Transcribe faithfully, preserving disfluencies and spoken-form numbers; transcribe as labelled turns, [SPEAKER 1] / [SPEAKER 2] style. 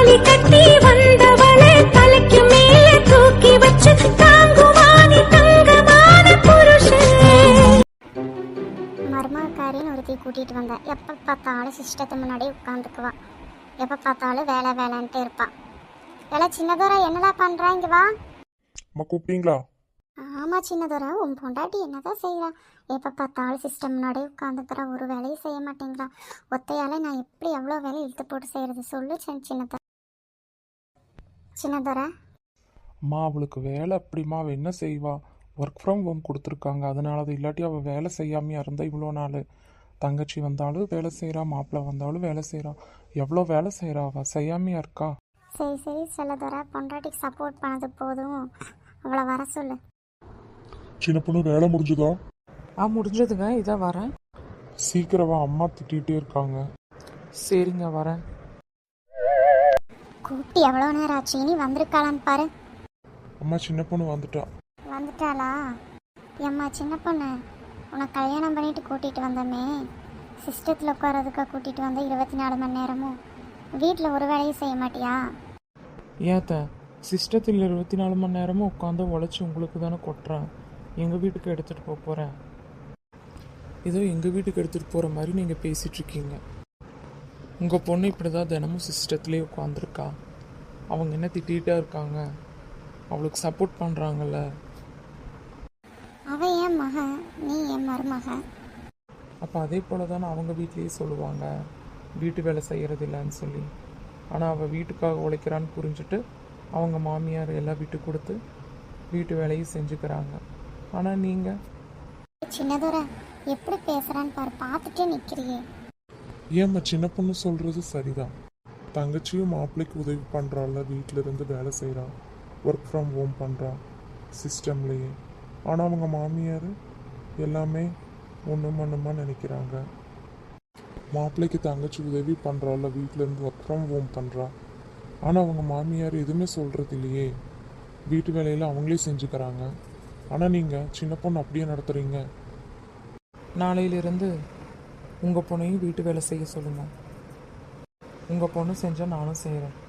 [SPEAKER 1] தாலி கட்டி வந்தவளை தலைக்கு மேல தூக்கி வச்சு தாங்குவானி தங்கமான புருஷன்.
[SPEAKER 2] மருமகாரின்னு ஒருத்தி கூட்டிட்டு வந்தேன். எப்போ பார்த்தாலும் சிஸ்டத்தை முன்னாடி உட்காந்துக்குவா. எப்போ பார்த்தாலும் வேலை வேலைன்ட்டு இருப்பான். எல்லாம் சின்னதோரா என்னடா பண்றா? இங்க வா.
[SPEAKER 3] அம்மா கூப்பிட்டீங்களா?
[SPEAKER 2] ஆமா சின்னதோரா, உன் பொண்டாட்டி என்னதான் செய்யறா? எப்போ பார்த்தாலும் சிஸ்டம் முன்னாடி உட்காந்துக்கிறா, ஒரு வேலையும் செய்ய மாட்டேங்கிறா. ஒத்தையால நான் எப்படி எவ்வளோ வேலை இழுத்து போட்டு செய்யறது சொல்லு சின்னதோரா. சின்னதோரா
[SPEAKER 3] அம்மா அவளுக்கு வேலை அப்படிமா, அவள் என்ன செய்வா? ஒர்க் ஃப்ரம் ஹோம் கொடுத்துருக்காங்க, அதனால அது இல்லாட்டி அவள் வேலை செய்யாமையா இருந்தா இவ்வளோ நாள். தங்கச்சி வந்தாலும் வேலை செய்கிறா, மாப்பிள்ளை வந்தாலும் வேலை செய்கிறா. எவ்வளோ வேலை செய்கிறா அவள், செய்யாமையா இருக்கா?
[SPEAKER 2] சரி சரி சின்னதோரா, பொண்டாட்டிக்கு சப்போர்ட் பண்ணது போதும், அவளை வர சொல்லு.
[SPEAKER 3] சின்ன பொண்ணு வேலை முடிஞ்சுதா?
[SPEAKER 4] ஆ முடிஞ்சதுங்க, இதான் வரேன்.
[SPEAKER 3] சீக்கிரமா, அம்மா திட்டிகிட்டே இருக்காங்க.
[SPEAKER 4] சரிங்க வரேன்.
[SPEAKER 2] கூப்பிட்டு எவ்வளோ நேரம் ஆச்சு, இனி வந்திருக்காளான்னு பாரு.
[SPEAKER 3] அம்மா சின்ன பொண்ணு வந்துட்டா.
[SPEAKER 2] வந்துட்டாளா? எம்மா சின்ன பொண்ணு, உன்னை கல்யாணம் பண்ணிட்டு கூட்டிகிட்டு வந்தோமே, சிஸ்டத்தில் உட்காரதுக்காக கூட்டிகிட்டு வந்த இருபத்தி நாலு மணி நேரமும் வீட்டில் ஒரு வேலையும் செய்ய மாட்டியா?
[SPEAKER 4] ஏத்த சிஸ்டத்தில் இருபத்தி நாலு மணி நேரமும் உட்காந்து உழைச்சி உங்களுக்கு தானே கொட்டுறேன். எங்கள் வீட்டுக்கு எடுத்துகிட்டு போக போகிறேன். ஏதோ எங்கள் வீட்டுக்கு எடுத்துகிட்டு போகிற மாதிரி நீங்கள் பேசிகிட்ருக்கீங்க. உங்கள் பொண்ணு இப்படி தான் தினமும் சிஸ்டத்துலேயே உட்காந்துருக்கா. அவங்க என்ன திட்டிகிட்டே இருக்காங்க, அவளுக்கு சப்போர்ட் பண்ணுறாங்கல்ல.
[SPEAKER 2] அவன் என் மகன், நீ என் மருமகன்.
[SPEAKER 4] அப்போ அதே போல் தானே அவங்க வீட்லேயே சொல்லுவாங்க, வீட்டு வேலை செய்கிறது இல்லைன்னு சொல்லி. ஆனால் அவள் வீட்டுக்காக உழைக்கிறான்னு புரிஞ்சுட்டு அவங்க மாமியார் எல்லாம் விட்டு கொடுத்து வீட்டு வேலையும் செஞ்சுக்கிறாங்க. ஆனால் நீங்கள்
[SPEAKER 2] சின்னதோர எப்படி பேசுகிறான்னு பாரு, பார்த்துட்டே நிற்கிறியே.
[SPEAKER 3] ஏம்மா சின்ன பொண்ணு சொல்கிறது சரிதான். தங்கச்சியும் மாப்பிள்ளைக்கு உதவி பண்ணுறாள், வீட்டில் இருந்து வேலை செய்கிறான், ஒர்க் ஃப்ரம் ஹோம் பண்ணுறான் சிஸ்டம்லேயே. ஆனால் அவங்க மாமியார் எல்லாமே ஒன்றும் ஒன்றுமா நினைக்கிறாங்க. மாப்பிள்ளைக்கு தங்கச்சி உதவி பண்ணுறாள், வீட்டிலேருந்து ஒர்க் ஃப்ரம் ஹோம் பண்ணுறா. ஆனால் அவங்க மாமியார் எதுவுமே சொல்கிறது இல்லையே, வீட்டு வேலையில் அவங்களே செஞ்சுக்கிறாங்க. ஆனால் நீங்கள் சின்ன பொண்ணு அப்படியே நடத்துகிறீங்க.
[SPEAKER 4] நாளையிலிருந்து உங்கள் பொண்ணையும் வீட்டு வேலை செய்ய சொல்லுங்கள். உங்கள் பொண்ணு செஞ்சால் நானும் செய்கிறேன்.